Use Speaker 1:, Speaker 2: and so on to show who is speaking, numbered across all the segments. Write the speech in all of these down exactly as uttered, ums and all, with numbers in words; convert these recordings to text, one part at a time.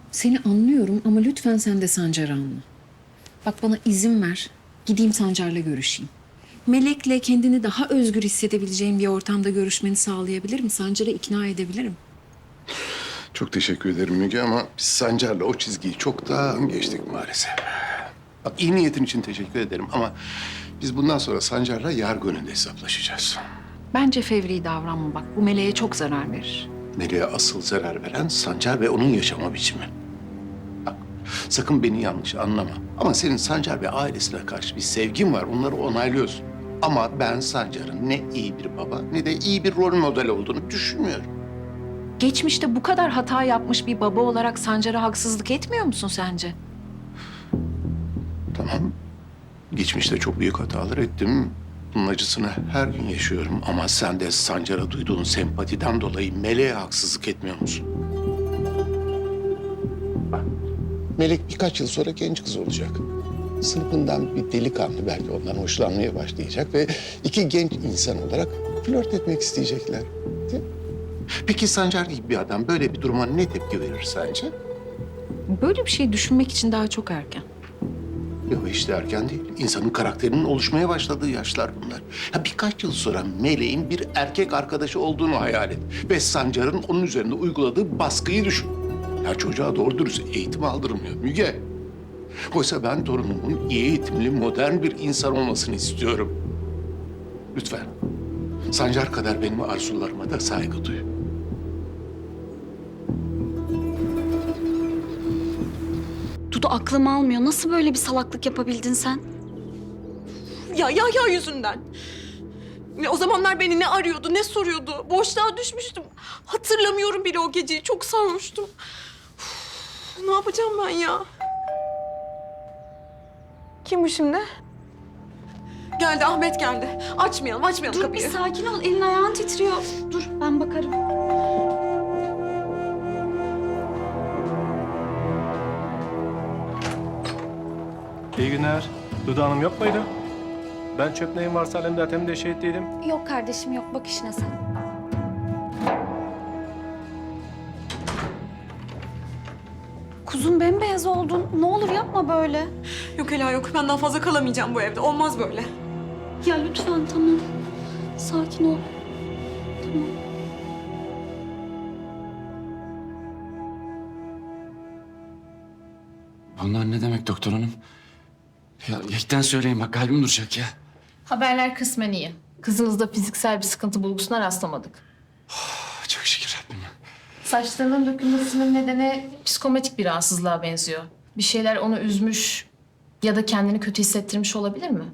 Speaker 1: Seni anlıyorum ama lütfen sen de Sancar'ı anla. Bak bana izin ver. Gideyim Sancar'la görüşeyim. Melek'le kendini daha özgür hissedebileceğin bir ortamda görüşmeni sağlayabilirim. Sancar'ı ikna edebilirim.
Speaker 2: Çok teşekkür ederim Müge ama biz Sancar'la o çizgiyi çoktan geçtik maalesef. Bak iyi niyetin için teşekkür ederim ama biz bundan sonra Sancar'la yargı önünde hesaplaşacağız.
Speaker 1: Bence fevri davranma bak. Bu Melek'e çok zarar verir.
Speaker 2: Meleğe asıl zarar veren Sancar ve onun yaşama biçimi. Bak sakın beni yanlış anlama. Ama senin Sancar ve ailesine karşı bir sevgin var. Onları onaylıyorsun. Ama ben Sancar'ın ne iyi bir baba ne de iyi bir rol model olduğunu düşünmüyorum.
Speaker 1: Geçmişte bu kadar hata yapmış bir baba olarak Sancar'a haksızlık etmiyor musun sence?
Speaker 2: Tamam. Geçmişte çok büyük hatalar ettim. Bunun acısını her gün yaşıyorum. Ama sen de Sancar'a duyduğun sempatiden dolayı Melek'e haksızlık etmiyor musun? Bak, Melek birkaç yıl sonra genç kız olacak. Sınıfından bir delikanlı belki ondan hoşlanmaya başlayacak ve iki genç insan olarak flört etmek isteyecekler. Değil mi? Peki Sancar gibi bir adam böyle bir duruma ne tepki verir sence?
Speaker 1: Böyle bir şey düşünmek için daha çok erken.
Speaker 2: Yok işte erken değil. İnsanın karakterinin oluşmaya başladığı yaşlar bunlar. Ya birkaç yıl sonra Meleğin bir erkek arkadaşı olduğunu hayal et. Ve Sancar'ın onun üzerinde uyguladığı baskıyı düşün. Ya çocuğa doğru dürüst eğitim aldırmıyor Müge. Oysa ben torunumun iyi eğitimli, modern bir insan olmasını istiyorum. Lütfen. Sancar kadar benim arzularıma da saygı duy.
Speaker 3: Dudu aklım almıyor. Nasıl böyle bir salaklık yapabildin sen?
Speaker 4: Ya ya ya yüzünden. Ya o zamanlar beni ne arıyordu, ne soruyordu. Boşluğa düşmüştüm. Hatırlamıyorum bile o geceyi. Çok sarhoştum. Uf, ne yapacağım ben ya? Kim bu şimdi? Geldi, Ahmet geldi. Açmayalım, açmayalım
Speaker 3: Dur
Speaker 4: kapıyı.
Speaker 3: bir sakin ol. Elin ayağın titriyor. Dur ben bakarım.
Speaker 5: İyi günler. Dudu Hanım yok muydu? Ben çöp neyim varsa alemde atemde şehitliydim.
Speaker 3: Yok kardeşim yok. Bak işine sen. Kuzum bembeyaz oldun. Ne olur yapma böyle.
Speaker 4: Yok Ela yok. Ben daha fazla kalamayacağım bu evde. Olmaz böyle.
Speaker 3: Ya lütfen tamam. Sakin ol. Tamam.
Speaker 6: Bunlar ne demek doktor hanım? Ya yekten söyleyin bak kalbim duracak ya.
Speaker 7: Haberler kısmen iyi. Kızınızda fiziksel bir sıkıntı bulgusuna rastlamadık.
Speaker 6: Ah, çok şükür Rabbim.
Speaker 7: Saçlarının dökülmesinin nedeni psikomatik bir rahatsızlığa benziyor. Bir şeyler onu üzmüş ya da kendini kötü hissettirmiş olabilir mi?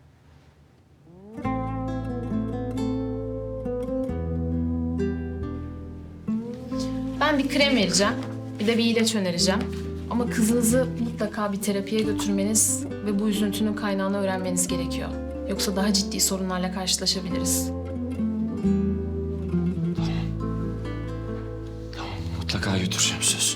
Speaker 7: Ben bir krem vereceğim, bir de bir ilaç önereceğim. Ama kızınızı mutlaka bir terapiye götürmeniz ve bu üzüntünün kaynağını öğrenmeniz gerekiyor. Yoksa daha ciddi sorunlarla karşılaşabiliriz.
Speaker 6: Tamam mutlaka götüreceğim söz.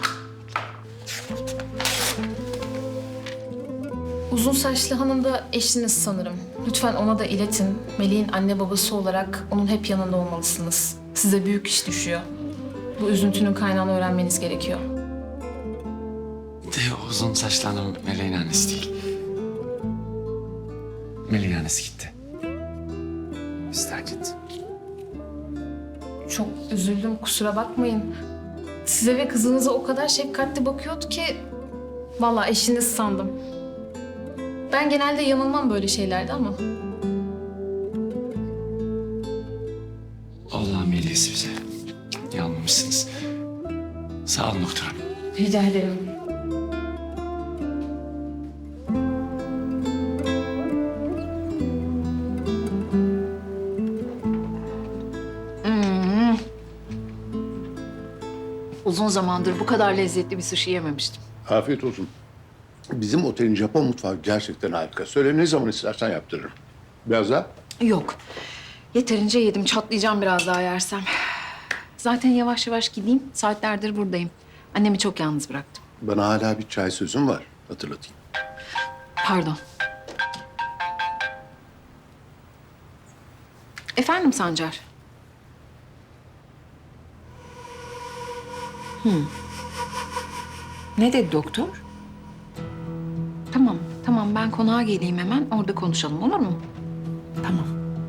Speaker 7: Uzun saçlı hanım da eşiniz sanırım. Lütfen ona da iletin. Melih'in anne babası olarak onun hep yanında olmalısınız. Size büyük iş düşüyor. Bu üzüntünün kaynağını öğrenmeniz gerekiyor.
Speaker 6: De uzun saçlı hanım Meleğin annesi değil. Meleğin annesi gitti. Biz terk etti.
Speaker 7: Çok üzüldüm, kusura bakmayın. Size ve kızınıza o kadar şefkatli bakıyordu ki... vallahi eşiniz sandım. Ben genelde yanılmam böyle şeylerde ama...
Speaker 6: Allah'ın velisi bize. Yanılmışsınız. Sağ olun doktor hanım.
Speaker 7: Rica ederim.
Speaker 1: Uzun zamandır bu kadar lezzetli bir sushi yememiştim.
Speaker 2: Afiyet olsun. Bizim otelin Japon mutfağı gerçekten harika. Söyle ne zaman istersen yaptırırım. Biraz daha.
Speaker 1: Yok. Yeterince yedim. Çatlayacağım biraz daha yersem. Zaten yavaş yavaş gideyim. Saatlerdir buradayım. Annemi çok yalnız bıraktım.
Speaker 2: Bana hala bir çay sözüm var. Hatırlatayım.
Speaker 1: Pardon. Efendim Sancar? Hmm. Ne dedi doktor? Tamam, tamam ben konağa geleyim hemen orada konuşalım olur mu? Tamam.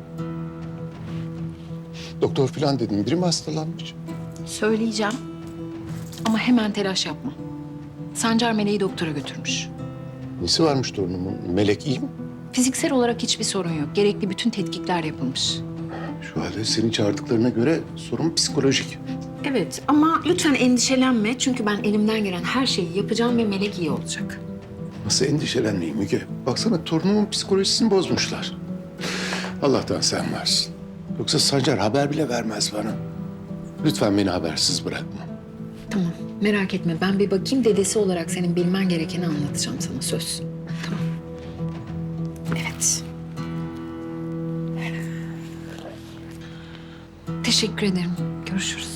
Speaker 2: Doktor falan dedim. Biri mi hastalanmış?
Speaker 1: Söyleyeceğim ama hemen telaş yapma. Sancar Meleği doktora götürmüş.
Speaker 2: Nesi varmış torunumun? Melek iyi mi?
Speaker 1: Fiziksel olarak hiçbir sorun yok. Gerekli bütün tetkikler yapılmış.
Speaker 2: Şu halde seni çağırdıklarına göre sorun psikolojik.
Speaker 1: Evet ama lütfen endişelenme. Çünkü ben elimden gelen her şeyi yapacağım ve Melek iyi olacak.
Speaker 2: Nasıl endişelenmeyeyim Müge? Baksana torunumun psikolojisini bozmuşlar. Allah'tan sen varsın. Yoksa Sancar haber bile vermez bana. Lütfen beni habersiz bırakma.
Speaker 1: Tamam merak etme. Ben bir bakayım dedesi olarak senin bilmen gerekeni anlatacağım sana söz. Tamam. Evet. Teşekkür ederim. Görüşürüz.